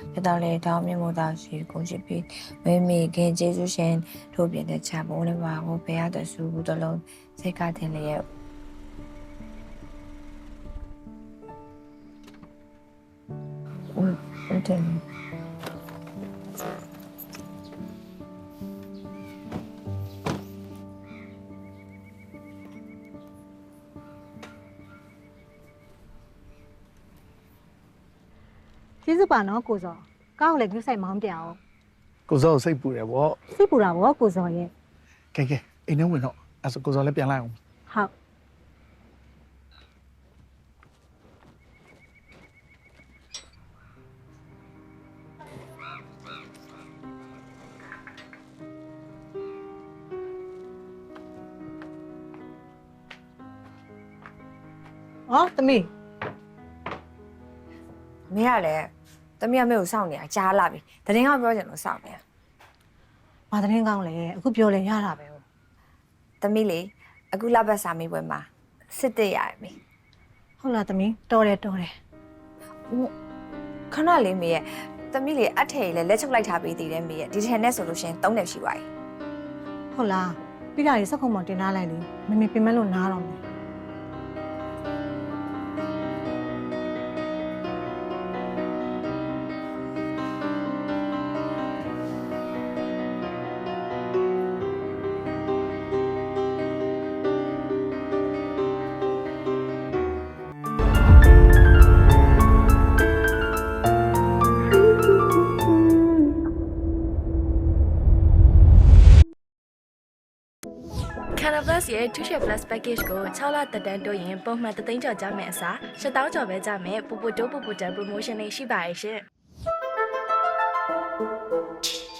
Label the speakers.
Speaker 1: ဖြစ်တော်လေတောင်းမြမို့သားရှိကုန်ချစ်ပြီးမေမေခင်ကျေးဇူးရှင်ထုတ်ပြတဲ့ချပုံးလေးပါကိုဘယ်ရတဲ့စုဘူးတလုံးစိတ်ကတင်လျက်ဟုတ်တယ်
Speaker 2: ကျေးဇူးပါနော်ကိုစောကောင်းလည်းကြိုးဆိုင်မောင်းပြအောင်
Speaker 3: ကိုစောစိတ်ပူတယ်ဗော
Speaker 2: စိတ်ပူတာဗောကိုစောရဲ့
Speaker 3: ကဲအိမ်ထဲဝင်တော့အဲ့ဆိုကိုစောလည်းပြန်လိုက်အောင်
Speaker 2: ဟုတ်အော်သမီး
Speaker 1: မင်းကလည်းတမီးကမေကိုစောင့်နေတာကြားလာပြီတရင်ကပြောချင်လို့စောင့်နေတာ
Speaker 2: ဘာသတင်းကောင်းလဲအခုပြောလဲရတာပဲ
Speaker 1: တမီးလေအခုလဘတ်စာမေးပွဲမှာစစ်တက်ရတယ်မေ
Speaker 2: ဟုတ်လားသမီးတော်တယ်တော်တယ်
Speaker 1: ခဏလေးမေရဲ့တမီးလေအထည်လေလက်ချုပ်လိုက်ထားပေးသေးတယ်မေရဲ့ဒီထန်နဲ့ဆိုလို့ရှိရင်3နှစ်ရှိပါပြီ
Speaker 2: ဟုတ်လားပြီးတာရေစက်ခုံမောင်တင်ထားလိုက်လေမမေပြင်မဲ့လို့နားတော့မယ်
Speaker 4: Canvas ရဲ့ 2share plus package ကို6လတက်တန်းတိုးရင်ပုံမှန်3သိန်းကျော်ကြမယ်အစား7000ကျော်ပဲကြမယ်ပူပူတိုးပူပူတန် promotion လေးရှိပါရဲ့ရှင်